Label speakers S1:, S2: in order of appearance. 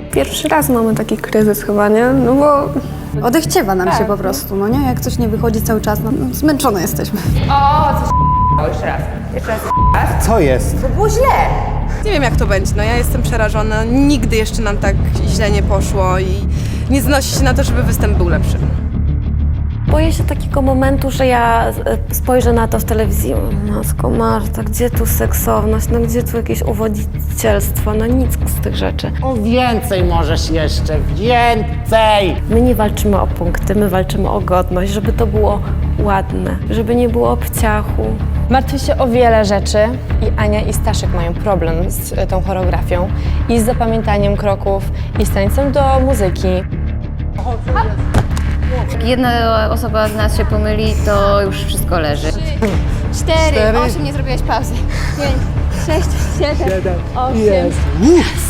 S1: Pierwszy raz mamy taki kryzys chyba, nie? No bo...
S2: Odechciewa nam się po prostu, no nie? Jak coś nie wychodzi cały czas, no zmęczone jesteśmy.
S3: Jeszcze raz.
S4: Co jest?
S3: Było źle.
S5: Nie wiem jak to będzie, no ja jestem przerażona, nigdy jeszcze nam tak źle nie poszło i nie znosi się na to, żeby występ był lepszy.
S1: Boję się takiego momentu, że ja spojrzę na to w telewizji. Matko Marta, gdzie tu seksowność, no gdzie tu jakieś uwodzicielstwo, no nic z tych rzeczy.
S6: O więcej możesz jeszcze, więcej!
S1: My nie walczymy o punkty, my walczymy o godność, żeby to było ładne, żeby nie było obciachu.
S7: Martwię się o wiele rzeczy i Ania i Staszek mają problem z tą choreografią i z zapamiętaniem kroków i z tańcem do muzyki.
S8: Jak jedna osoba z nas się pomyli, to już wszystko leży.
S2: 4, 8, nie zrobiłaś pauzy. 5, 6, 7, 8.
S4: Jest.